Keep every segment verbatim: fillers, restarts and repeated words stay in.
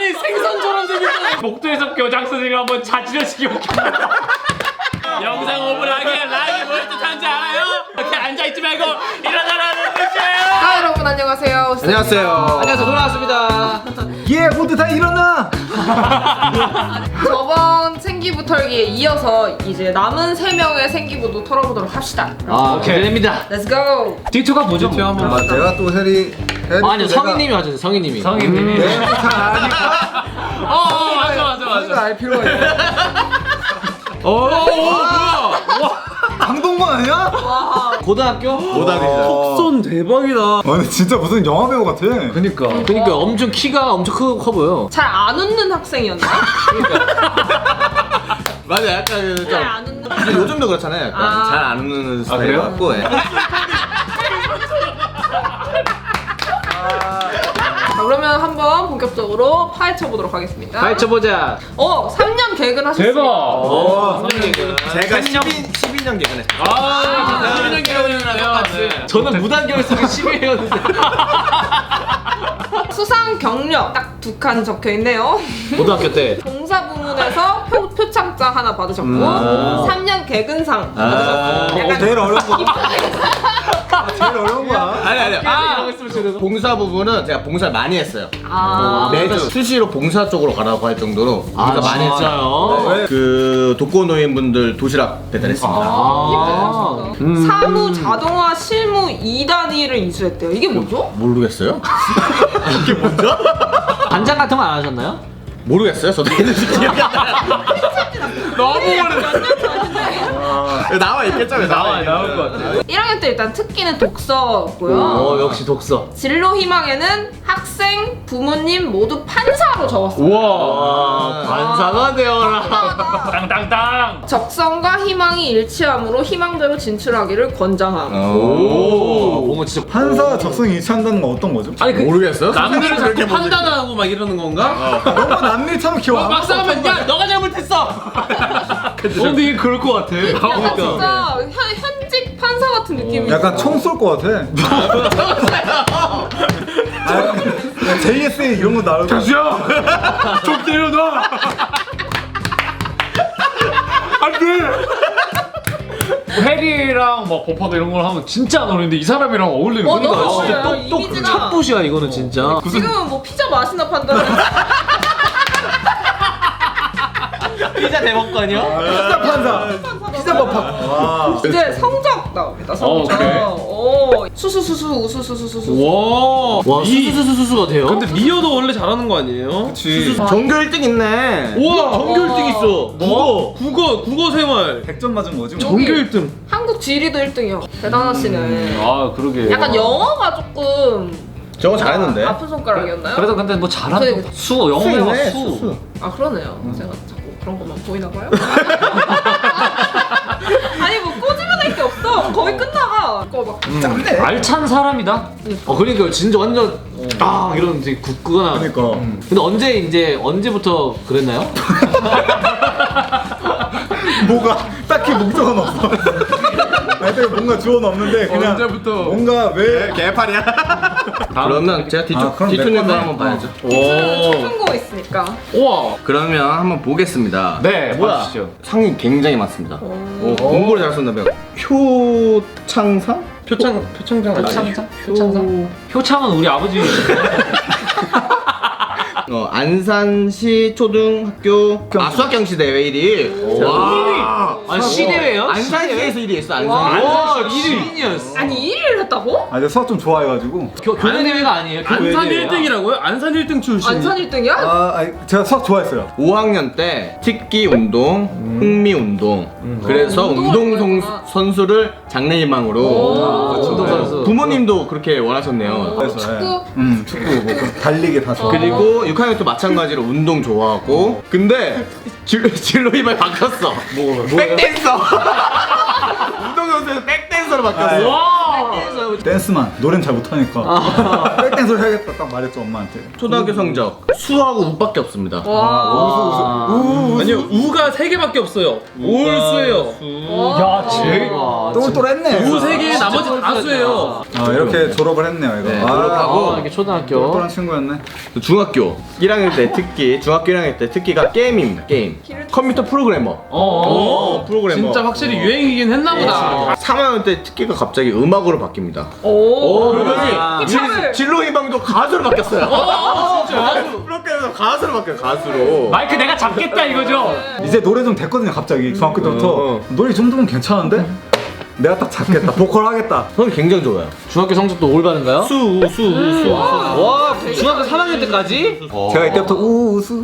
아니 생선처럼 생겼잖아. 목도에서 교장선생님 한번 자지러시기 웃긴다. 영상 오 분 하게 라이브 뭘 뜻하는지 알아요? 이렇게 앉아있지 말고 일어나라는 뜻이에요. 아 여러분 안녕하세요. 안녕하세요. 안녕하세요. 돌아왔습니다. 예, 모두 다 일어나. 저번 생기부 털기에 이어서 이제 남은 세 명의 생기부도 털어보도록 합시다. 아, 기대됩니다. Let's go. 디투가 뭐죠? 뭐? 한번 아, 내가 또 해리. 해리 아, 아니요, 내가- 성희님이 하죠, 성희님이. 성희님이. 네, 잘 아니까. 어, 어 맞아 맞아 우리가 맞아. 알 필요가 있어. 오, 오 뭐야? 강동건 아니야? 고등학교? 고등학교. 손 대박이다. 아, 근데 진짜 무슨 영화 배우 같아. 그니까. 그니까 엄청 키가 엄청 크, 커 보여. 잘 안 웃는 학생이었나? 맞아, 약간 좀. 잘 안 웃는. 근데 요즘도 그렇잖아요. 약간 아. 잘 안 웃는 스타일 그래요? 같고. 예. 자, 그러면 한번 본격적으로 파헤쳐 보도록 하겠습니다. 파헤쳐보자. 어, 삼 년 개근하셨어요. 대박. 오, 삼 년 개근. 제가 십이 년 개근했어요. 아, 십이 년 개근이라면. 네. 저는 무단결 쓰기 십일 회였는데. 수상 경력 딱 두 칸 적혀 있네요. 고등학교 때. 봉사 부문에서 표, 표창장 하나 받으셨고 음. 삼 년 개근상 아, 받으셨고 약간 제일 어려운 거. 아, 제일 어려운 거야. 아니, 아니. 아, 봉사 부분은 제가 봉사를 많이 했어요. 아, 매주 수시로 봉사 쪽으로 가라고 할 정도로 봉사 아, 많이 했어요. 진짜요? 네. 그 독거노인분들 도시락 배달했습니다. 아, 음. 사무 자동화 실무 이 단위를 인수했대요. 이게 뭐죠? 모르겠어요? 이게 뭐죠? 반장 같은 거 안 하셨나요? 모르겠어요. 저도 했는지 기억이 안 나요. 너무 오래. 나와 있겠죠? 나와 나올 것 같아. 일 학년 때 일단 특기는 독서고요. 어, 역시 독서. 진로 희망에는 학생, 부모님 모두 판사로 적었어요. 우와. 반사가 되어라. 땅땅땅. 적성과 희망이 일치함으로 희망대로 진출하기를 권장함. 오, 뭔가 진짜 판사 적성이 일치한다는 건 어떤 거죠? 아니 그 모르겠어요? 남들을 자꾸 그렇게 보고 판단하고 막 이러는 건가? 너무 남일처럼 기억 안 막상 하면 야 너가 잘못했어. 어 근데 이게 그럴 것 같아. 약간 진짜 현, 현직 판사 같은 느낌이 약간 있어. 총 쏠 것 같아. 아, 제이에스에이 이런 거 나올 것 같아. 야, 좀 때려놔. 안돼. 해리랑 막 버퍼도 이런 걸 하면 진짜 안 어울리는데 이 사람이랑 어울리는 어, 거니까 너무 진짜 어울려요. 똑똑. 이미지가. 탑봇이야, 이거는 진짜. 지금은 뭐 피자 맛이나 판단을 피자 대법관이요? 피자 판사. 피자 법학. 이제 성적 나옵니다. 성적. 어, 그래? 오, 수수수수 우수수수수수. 와. 와, 수수수수수가 돼요? 근데 미어도 원래 잘하는 거 아니에요? 그치. 전교 일 등 있네. 우와 전교 일 등 있어. 뭐? 국어 국어 생활 백 점 맞은 거지. 뭐. 전교 일 등. 한국 지리도 일 등이요. 대단하시네. 아 그러게. 약간 영어가 조금 저거 잘했는데. 아픈 손가락이었나요? 그래도 근데 뭐 잘한 그래. 수 영어가 수네, 수. 수수. 아 그러네요. 제가 자꾸 그런 것만 보이나 봐요. 아니 뭐 꼬집어낼 게 없어. 거의 끝나가. 그거 막 짠데. 알찬 사람이다. 어, 그러니까 진짜 완전 아 이런 되게 굳거나. 그러니까. 근데 언제 이제 언제부터 그랬나요? 뭐가 딱히 목적은 없어. 아니, 되게 뭔가 주어는 없는데 그냥 언제부터? 뭔가 왜 개팔이야. 그러면 제가 아, 뒤쪽 그럼 뒤쪽 내 거 거네. 한번 봐야죠. 초중고 있으니까. 우와. 그러면 한번 보겠습니다. 네, 뭐야? 봐주시죠. 상이 굉장히 많습니다. 오, 공부를 잘 썼나 봐요. 표창상? 표창 표창장 표창장? 표창장? 효창은 우리 아버지. 어, 안산시 초등학교 아 수학경시 대회 일 위. 와. 아, 시대회요? 안산시에서 일 위 했어. 와. 안산. 와, 일위인이었어. 아니 일 위를 했다고? 아, 내가 수학 좀 좋아해가지고. 교내 대회가 아니에요. 교내 안산 대회야. 일 등이라고요? 안산 일 등 출신. 안산 일 등이야? 아, 아니, 제가 수학 좋아했어요. 오 학년 때 특기 운동, 흥미 운동. 그래서 어, 운동을 운동 좋아했구나. 선- 선수를 장래희망으로. 오. 운동선수. 부모님도 그렇게 원하셨네요. 그래서, 축구? 음, 축구 뭐 달리기 다 좋아. 그리고 육 학년 또 마찬가지로 운동 좋아하고. 근데 진- 진로 희망이 바뀌었어. 뭐, 백댄서. 운동선수에서 백댄서로 바뀌었어. 와. 댄스만 노래는 잘 못하니까 백댄서를 해야겠다 딱 말했죠 엄마한테. 초등학교 성적 수하고 우밖에 없습니다. 와. 아니요 우가 세 개밖에 없어요. 올수예요. 야, 제일 똘똘했네. 우 세 개 나머지 다 수예요. 아 이렇게 졸업을 했네요 이거. 네, 아, 졸업하고 아, 이게 초등학교. 똘똘한 친구였네. 중학교 일 학년 때 특기, 중학교 일 학년 때 특기가 게임입니다. 게임. 컴퓨터 프로그래머. 어. 프로그래머. 진짜 확실히 유행이긴 했나 보다. 삼 학년 때 특기가 갑자기 음악으로 바뀝니다. 오. 그러더니 힙합을. 진로 희망도 가수로 바뀌었어요. 어, 진짜? 프로그래머에서 가수로 바뀌어요. 가수로. 마이크 내가 잡겠다 이거죠. 이제 노래 좀 됐거든요 갑자기 중학교 때부터. 어. 노래 이 정도면 괜찮은데? 내가 딱 잡겠다. 보컬 하겠다. 저는 굉장히 좋아요. 중학교 성적도 올바른가요? 수, 수, 수. 와, 중학교 삼 학년 때까지? 제가 이때부터 우우수.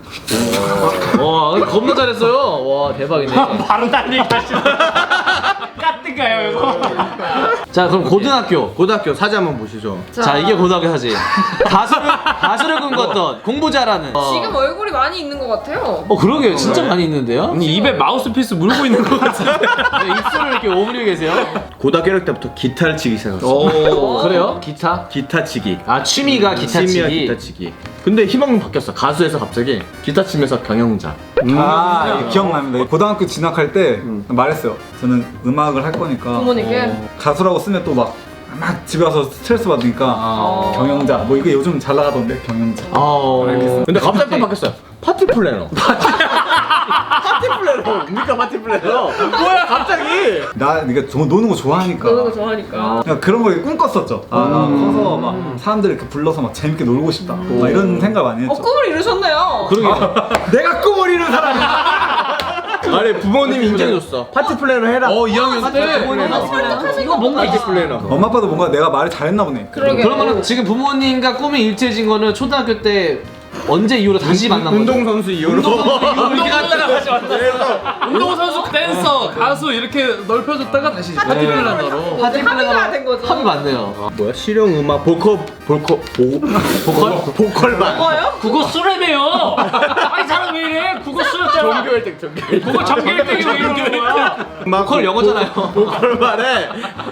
와, 겁나 잘했어요. 와, 대박이네. 바로 딴 얘기 하시네. 까뜬가요 이거? 자, 그럼 고등학교. 고등학교 사진 한번 보시죠. 자, 이게 고등학교 사진. 가수를 가수를 꿈꿨던 공부 잘하는. 어. 지금 얼굴이 많이 있는 것 같아요. 어, 그러게요. 진짜 많이 있는데요? 아니 입에 마우스피스 물고 있는 것 같은데. 네, 입술을 이렇게 오므리고 계세요. 고등학교 일 학년 때부터 기타를 치기 시작했어요. 오, 그래요? 기타? 기타 치기. 아, 취미가 기타 취미가 치기. 기타 치기. 근데 희망은 바뀌었어. 가수에서 갑자기 기타 치면서 경영자. 아 이거 기억납니다. 고등학교 진학할 때 말했어요. 저는 음악을 할 거니까 부모님께. 가수라고 쓰면 또 막 막 집에 와서 스트레스 받으니까 경영자 뭐 이게 요즘 잘 나가던데 경영자. 아, 근데 갑자기 또 바뀌었어요. 파티 플래너. 파티 플래너. 뭡니까 파티 플래너? 뭐야 갑자기? 나 네가 저 노는 거 좋아하니까. 노는 거 좋아하니까. 그냥 그런 거 꿈꿨었죠. 아, 나 커서 막 사람들 이렇게 불러서 막 재밌게 놀고 싶다. 막 이런 생각 많이 했죠. 어, 꿈을 이루셨네요. 내가 꿈을 이룬 사람이야. 아니 부모님이 인정해줬어. 파티 플래너 해라. 어 이 학년 때. 이거 뭔가 파티 플래너. 엄마 아빠도 뭔가 내가 말을 잘했나 보네. 그러게. 그러면은 지금 부모님과 꿈이 일치해진 거는 초등학교 때 언제 이후로 다시 만난 거죠? 운동선수 이후로. 이렇게 갔다가 다시 왔다. 운동선수, 댄서, 가수 이렇게 넓혀줬다가 다시 파티 플래너로. 파티 플래너가 된 거죠. 합이 맞네요. 뭐야 실용 음악 보컬 보컬 보 보컬 보컬반. 뭐예요? 국어 수레매요. 아니 사람 왜 이래? 국어 수였잖아. 종교 일 등 종교 일 등. 국어 전교 일 등이 왜 이러는 거야? 보컬 영어잖아요. 보컬반에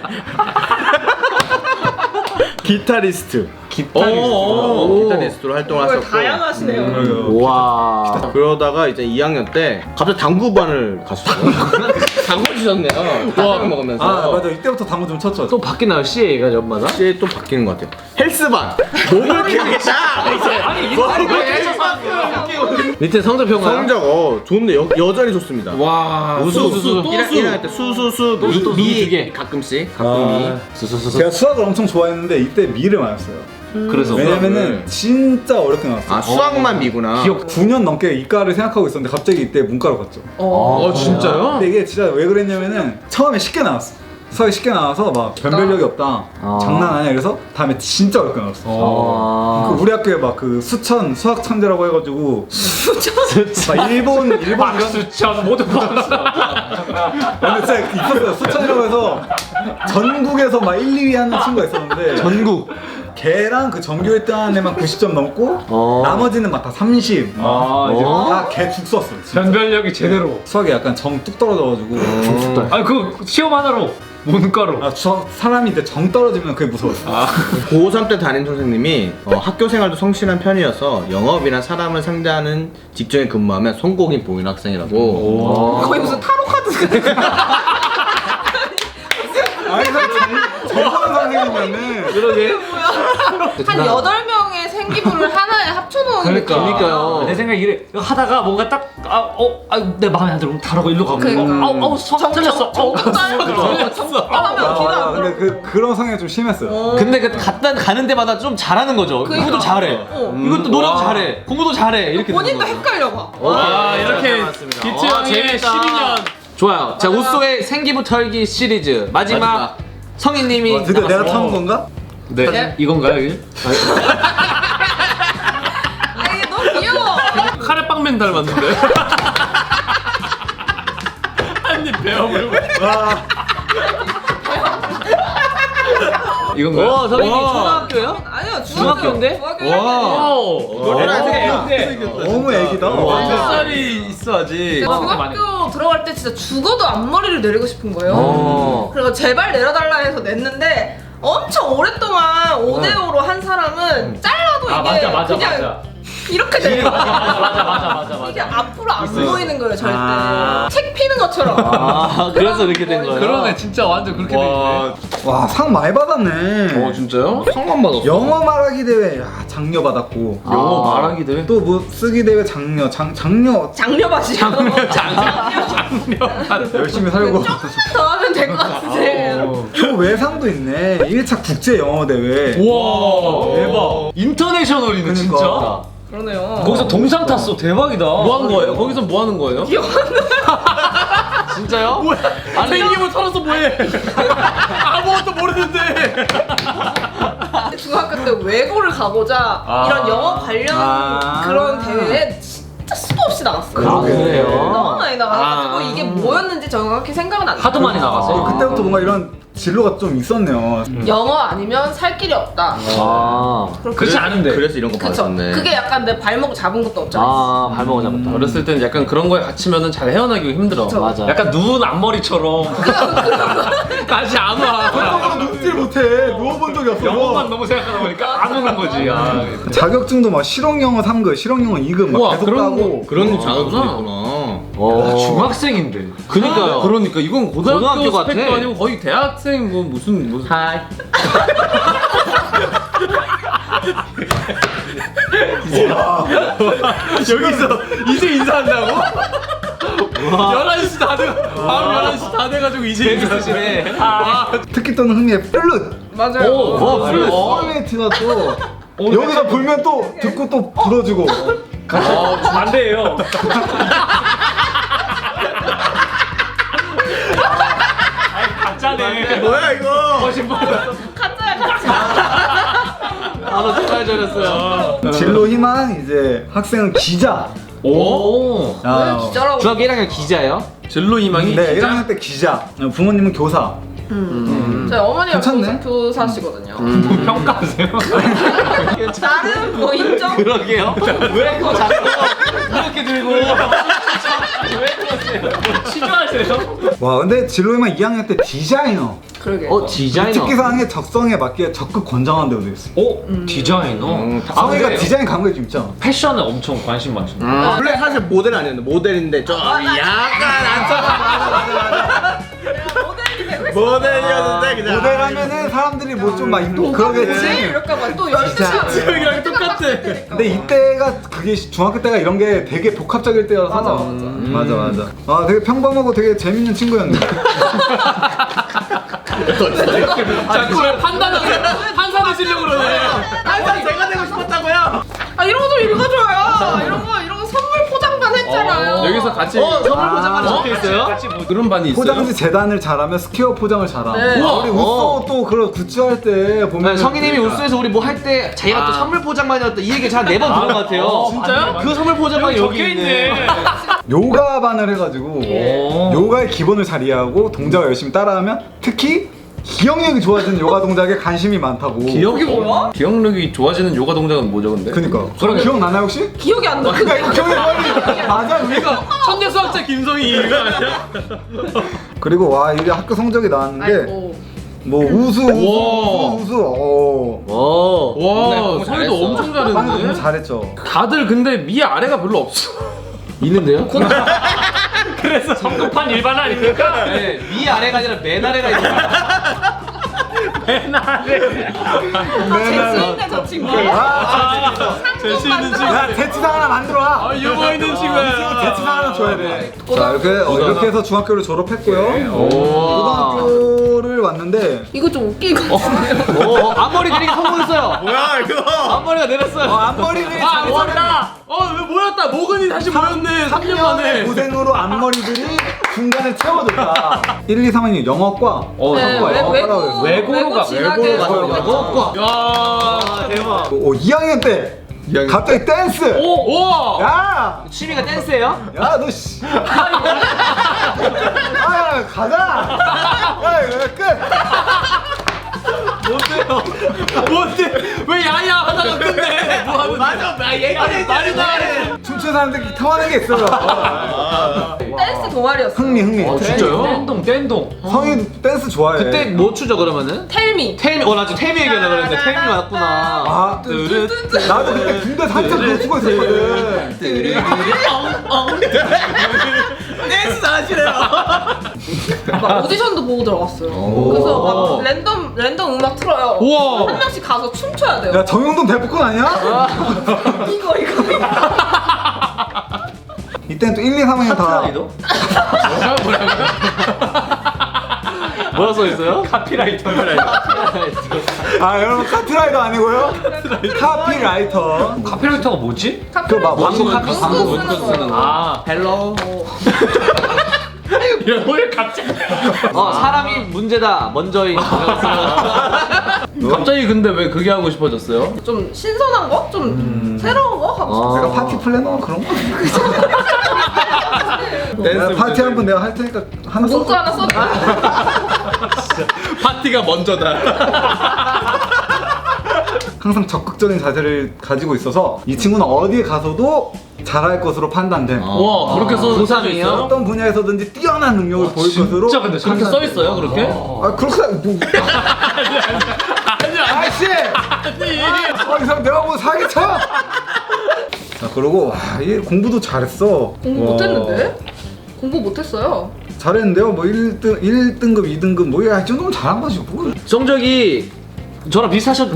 기타리스트. 오. 기타리스트로 활동을 정말 하셨고. 다양하시네요. 그래요. 와. 그러다가 이제 이 학년 때 갑자기 당구반을 갔어요. 당구 주셨네요. 와 먹으면서. 아 맞아 이때부터 당구 좀 쳤죠. 또 바뀌나요? 씨에이가 연마다? 이제 또 바뀌는 것 같아요. 헬스반. 몸을 키우겠다. 아니 이거 밑에 성적 평가. 성적 어 좋네. 여, 여전히 좋습니다. 와. 우수 수, 수, 우수. 또 일 학- 수. 일 학년 때 수수수 또 수, 또 수, 미 두 개. 가끔씩 가끔 미. 아, 수수수수. 제가 수학을 엄청 좋아했는데 이때 미를 맞았어요. 그래서 왜냐면은 진짜 어렵게 나왔어요. 아 수학만 미구나. 기억. 구 년 넘게 이과를 생각하고 있었는데 갑자기 이때 문과로 갔죠. 어 진짜요? 근데 이게 진짜 왜 그랬냐면은 처음에 쉽게 나왔어. 수학이 쉽게 나와서 막 변별력이 없다. 아. 장난 아니야. 그래서 다음에 진짜 어렵게 나왔어. 아. 그 우리 학교에 막 그 수천 수학 천재라고 해가지고 막 일본 일본 이런 박수천 모두 박수. 근데 진짜 있었어요. 수천이라고 해서 전국에서 막 일, 이 위 하는 친구가 있었는데 전국. 걔랑 그 전교 일 등 하는 애만 구십 점 넘고 어. 나머지는 막 다 삼십 아 이제 다걔죽 썼어요. 진짜. 변별력이 제대로. 수학이 약간 정 뚝 떨어져가지고 아니 그 시험 하나로 문과로. 아, 저 사람이 이제 정 떨어지면 그게 무서웠어. 아. 고삼 때 담임 선생님이 어, 학교 생활도 성실한 편이어서 영업이나 사람을 상대하는 직종에 근무하면 성공이 보이는 학생이라고. 거의 무슨 타로 카드. 아니 정정 선생님이면은 그러게. 한 여덟 명의 생기부를 하나에 합쳐놓은 그러니까. 느낌. 그러니까요. 내 생각에 이래 하다가 뭔가 딱아어아내 마음에 안 들어 다르고 일로 가고 그- 아우 아우 수학 틀렸어. 어 정답 정답 하면 아, 뒤가 맞아. 안 근데 그 그런 성향이 좀 심했어요. 근데 그 갔다 가는 데마다 좀 잘하는 거죠. 그러니까. 이것도 잘해. 어. 이것도 노래도 잘해. 공부도 잘해. 이렇게 본인도 되는 거죠. 헷갈려 봐. 와 이렇게 맞습니다. 기츠 와, 형의 재밌다. 십이 년. 좋아요. 자, 우소의 생기부 털기 시리즈 마지막, 마지막. 성인님이 어, 드디어 내가 남았습니다. 타는 건가? 네, 네. 이건가요 이게? 아 이게 너무 귀여워. 카레빵맨 닮았는데. 한입 베어물고. 이건가요? 어, 성인님 와. 초등학교요? 아니요 아니에요. 중학교인데? 중학교 와. 오. 노래를 안 너무 애기다. 몇 살이 있어 아직. 중학교 들어갈 때 진짜 죽어도 앞머리를 내리고 싶은 거예요. 어. 그래서 제발 내려달라 해서 냈는데 엄청 오랫동안 오데오로 한 사람은 잘라도 아 이게 맞아 맞아 그냥 맞아. 이렇게 내려. 맞아 맞아 맞아 맞아 이게 맞아. 앞으로 안 보이는 거예요 절대. 아. 책 피는 것처럼. 아, 그래서 이렇게 된 거예요? 그러네 진짜 완전 그렇게 돼 있네. 와, 상 많이 받았네. 어 진짜요? 상만 받았어. 영어 말하기 대회 야, 장려 받았고. 영어 아. 말하기 대회? 또 뭐 쓰기 대회 장려, 장 장려 장려바지. 장려 장려. 열심히 살고. 더 하면 될 것 같은데. 교외상도 있네. 일 차 국제 영어 대회. 우와 대박. 인터내셔널이네 그러니까. 진짜. 그러네요. 거기서 동상 탔어 대박이다. 뭐 하는 거예요? 거기서 뭐 하는 거예요? 진짜요? 뭐야? 생김을 털어서 뭐해? 아무것도 모르는데. 중학교 때 외고를 가고자 아. 이런 영어 관련 아. 그런 대회에 진짜 수도 없이 나갔어요. 아, 그래요? 너무 많이 나가가지고 아. 이게 뭐였는지 정확히 생각은 안 나요. 하도 많이 어, 나가서. 그때부터 뭔가 이런 진로가 좀 있었네요. 영어 아니면 살 길이 없다. 아. 그렇지 않은데. 그래서 이런 거 그쵸. 받았네. 그게 약간 내 발목 잡은 것도 없잖아. 아, 발목을 잡았다. 어렸을 때는 약간 그런 거에 갇히면은 잘 헤어나기 힘들어. 그쵸. 맞아. 약간 누운 앞머리처럼 다시 안 와. 눕질 못해. 누워본 적이 없어. 영어만 너무 생각하다 보니까 안 오는 거지. 아. 자격증도 막 실용 영어 삼 급, 실용 영어 이 급 막 우와, 계속 그런 따고. 거. 그런 어, 자극도 그렇구나. 있구나. 어. 아, 중학생인데. 그니까요. 그러니까 이건 고등학교, 고등학교 같아. 스펙도 아니고 거의 대학생 뭐 무슨 무슨. 하이. 여기서 이제 인사한다고? 열한 시 다 돼. 밤 열한 시 다 돼가지고 이제 인사하시네. 아. 특히 또는 흥미의 플룻. 맞아요. 오, 와, 플룻. 소울메이트가 또 여기서 불면 또 듣고 또 불어주고. 아, 반대예요. 아니, 가짜네. 뭐야 이거? 거짓말. 가짜야 가짜. 아, 나 정말 잘했어요. 진로 희망 이제 학생은 기자. 오. 아, 왜 기자라고? 중학교 일 학년 기자예요? 진로 희망이. 네, 일 학년 때 기자. 부모님은 교사. 저희 어머니가 괜찮네. 교사, 교사시거든요. 뭐 평가하세요? 나름 뭐 인정. 그러게요. 왜 그거 자꾸 이렇게 들고. 왜 그러세요? 뭐 취조하세요? 와, 근데 진로 희망 이 학년 때 디자이너. 그러게. 어, 디자이너. 특기사항의 적성에 맞게 적극 권장한 데도 있어. 오, 디자이너. 음, 아, 성희가 근데 디자인 감각이 좀 있잖아. 패션에 엄청 관심 많죠. 원래 사실 모델 아니었는데 모델인데 좀 약간 안타까 모델이 되고 있어. 모델이었는데 그냥 모델 하면은 사람들이 뭐 좀 막 입고 그러겠지? 그러겠지. 이럴까 봐 또 열심히 하지. 여기랑 똑같아. 근데 이때가 그게 중학교 때가 이런 게 되게 복합적일 때여서 맞아, 맞아. 음, 맞아 맞아. 아 되게 평범하고 되게 재밌는 친구였는데. 자꾸 왜 판단을 판단하시려고 그러네. 항상 제가 되고 싶었다고요. 아 이런 거 좀 읽어줘요. 이런 거 이런 거 선물 포장만 했잖아요. 여기서 같이 어, 선물 포장하는 어? 적혀 있어요? 같이 뭐 그런 반이 있어요? 포장지 재단을 잘하면 스퀘어 포장을 잘함. 네. 우와, 우리 우와. 우쏘 또 그런 굿즈 할 때 보면 네, 성희님이 우수에서 우리 뭐 할 때 자기가 또 선물 포장만이 었다 이 얘기 잘 네 번 들은 것 같아요. 어, 진짜요? 그 선물 포장만이 여기 적혀 있네. 있네. 요가반을 해가지고 오. 요가의 기본을 잘 이해하고 동작을 열심히 따라하면 특히 기억력이 좋아지는 요가 동작에 관심이 많다고. 기억이 뭐야? 기억력이 좋아지는 요가 동작은 뭐죠, 근데? 그니까. 그러게. 기억나나요 혹시? 기억이 안 나. 그러니까 기억이 빨리. 맞아 우리가. 천재 수학자 김성희가 아니야? 그리고 와 이게 학교 성적이 나왔는데 아이고. 뭐 우수 우수 우와. 우수 우수. 어. 오. 와, 네, 성희도 잘했어. 엄청 방금 너무 잘했는데? 잘했죠. 다들 근데 위 아래가 별로 없어. 있는데요? 그래서 성급한 일반 아닙니까? 네, 위 아래가 아니라 맨 아래가 있는 맨 아래. 재치 있네 저 친구. 아, 재치 있는 친구. 야 대치상 하나 만들어 와. 아, 유머 있는 친구야. 대치상 하나 줘야 돼. 자 이렇게 어, 이렇게 해서 중학교를 졸업했고요. 고등학교를 왔는데 이거 좀 웃긴 거 같은데요. 오, 앞머리 내리기 성공했어요. 뭐야 이거? 앞머리가 내렸어요. 어, 앞머리를 아, 모았다. 어, 왜 모였다. 모근이 다시 모였네. 삼 년 만에. 고생으로 앞머리들이 중간에 채워줬다. 일, 이, 삼 학년 영어과. 어, 네, 성과야. 외- 외고 외고로 가, 진학에 외고로 가. 성공했죠. 야, 대박. 어, 이 학년 때 갑자기 댄스. 오, 우와. 야, 취미가 댄스예요? 야, 너 씨. 아, 가자. 야, 이거 끝. 뭔데? 왜 야야 하다가 끝내? 뭐 하는 맞아. 나 얘가 말이 나래. 춤추는 사람들끼리 통하는 게 있어요. 댄스 동아리였어. 흥미 흥미. 아, 진짜요? 댄동 댄동. 성희 댄스 좋아해. 그때 뭐 추죠 그러면은? 텔미. 텔미. 어, 나 지금 텔미 얘기하려고 그랬는데 텔미 맞구나. 아, 나도 그때 군대 한참 그거 추고 있었거든. 댄스 잘하시네요. 막 오디션도 보고 들어갔어요. 그래서 막 랜덤 랜덤 음악 틀어요. 우와. 한 명씩 가서 춤춰야 돼요. 야, 정용돈 대포콘 아니야? 이거 이거. 이때는 또 일, 이, 삼 학년 다. 뭐라 써 있어요? 카피라이터. 아, 여러분 카피라이터 아니고요? 카피라이터. 카피라이터가 뭐지? 그막 광고 광고 카피 광고 광고 쓰는 쓰는 거. 아, 헬로. 야, 왜 갑자기? 어, 사람이 문제다. 먼저인. 갑자기 근데 왜 그게 하고 싶어졌어요? 좀 신선한 거? 좀 새로운 거 하고 싶어. 내가 파티 플래너 그런 거. 내가 파티 한 번 내가 할 테니까 하나 써. 문구 하나 써. 파티가 먼저다. 항상 적극적인 자세를 가지고 있어서 이 친구는 어디에 가서도 잘할 것으로 판단돼. 와, 그렇게 써 고삼이에요? 어떤 분야에서든지 뛰어난 능력을 보일 것으로. 진짜 근데 저렇게 써 있어요, 그렇게? 아, 그렇게 뭐. 아니야. 아이씨! 아니. 어, 이 사람 내가 보고 사기쳐! 아, 그러고, 와, 얘 공부도 잘했어. 공부 와. 못했는데? 공부 못했어요. 잘했는데요? 뭐 일 등, 일 등급, 이 등급, 뭐, 야, 이 정도면 잘한 거지, 뭐. 성적이 저랑 비슷하셨.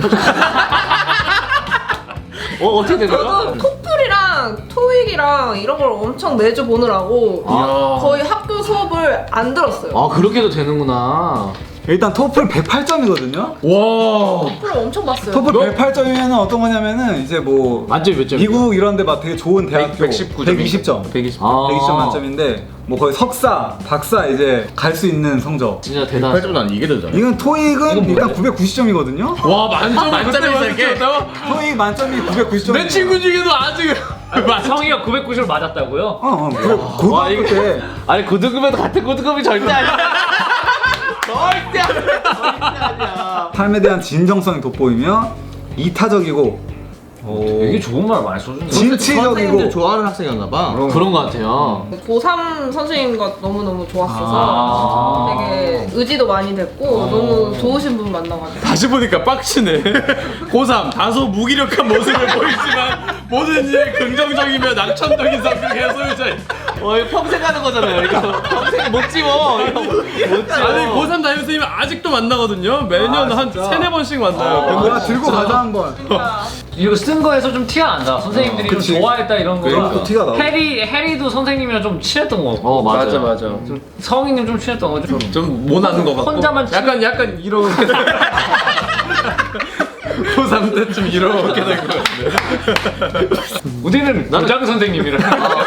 어, 어떻게 된 거야? 저도 토플이랑 토익이랑 이런 걸 엄청 매주 보느라고 아. 거의 학교 수업을 안 들었어요. 아, 그렇게도 되는구나. 일단 토플 백팔 점이거든요? 와. 토플을 엄청 봤어요. 토플 백팔 점이면 어떤 거냐면은, 이제 뭐. 만점이 몇 점이요? 미국 이런 데 막 되게 좋은 대학교 백십구 점. 백이십 점. 백이십. 아. 백이십 점 만점인데, 뭐 거의 석사, 박사 이제 갈 수 있는 성적. 진짜 팔 대단하다. 점보다 이게 더 잘해. 이건 토익은 일단 구백구십 점이거든요? 와, 만점 만점이 이렇게? 토익 만점이 구백구십 점. 내 친구 중에도 아직 성희가 구백구십을 맞았다고요? 어, 어, 그 고등학교 때. 아니, 고등급에도 같은 고등급이 절대 아니야. 절대 아니야. 절대 아니야. 삶에 대한 진정성이 돋보이며 이타적이고 되게 좋은 말 많이 써준다. 선생님들 진취적이고. 좋아하는 학생이었나 봐. 그런 거 같아요. 고삼 선생님과 너무너무 좋았어서 아. 되게 의지도 많이 됐고 너무 좋으신 분 만나가지고 다시 보니까 빡치네. 고삼 다소 무기력한 모습을 보이지만 모든 일에 긍정적이며 낙천적인 성격의 소유자. 어, 이거 평생 하는 거잖아요. 이거 평생 못 집어. 이거 못 집어. 아니 고삼 담임 선생님 아직도 만나거든요. 매년 아, 한 진짜? 세네 번씩 만나요. 뭐야 들고 가자 한번. 이거 쓴 거에서 좀 티가 난다. 선생님들이 좀 그치. 좋아했다 이런 거. 그런 거 티가 나. 해리 해리도 선생님이랑 좀 친했던 거. 어, 맞아. 맞아. 성희님 좀 친했던 거죠. 좀 모나는 거 같고. 혼자만 치- 약간 약간 이렇게. 고삼 때쯤 이렇게 된 거 같은데. 우리는 교장 선생님이랑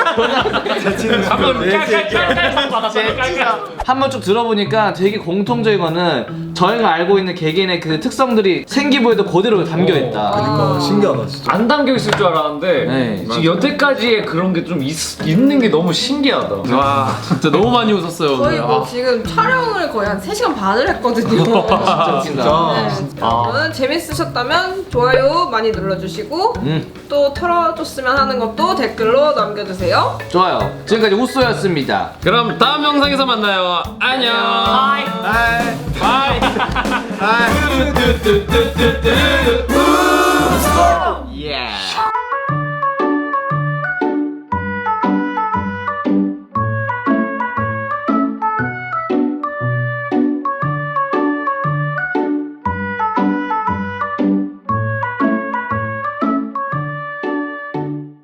한번 깔깔깔깔 받았어요. 깔깔. 한번 쭉 들어보니까 되게 공통적인 거는 저희가 알고 있는 개개인의 그 특성들이 생기부에도 그대로 담겨 있다. 그러니까 신기하다 진짜. 안 담겨 있을 줄 알았는데 네, 지금 여태까지의 그런 게 좀 있는 게 너무 신기하다. 와 진짜 너무 많이 웃었어요. 거의 오늘. 뭐 지금 촬영을 거의 한 세 시간 반을 했거든요. 진짜 웃긴다. 네. 여러분 재밌으셨다면 좋아요 많이 눌러주시고 음, 또 털어줬으면 하는 것도 댓글로 남겨주세요. 좋아요. 지금까지 우쏘였습니다. 그럼 다음 영상에서 만나요. 안녕. 바이. 바이. 바이.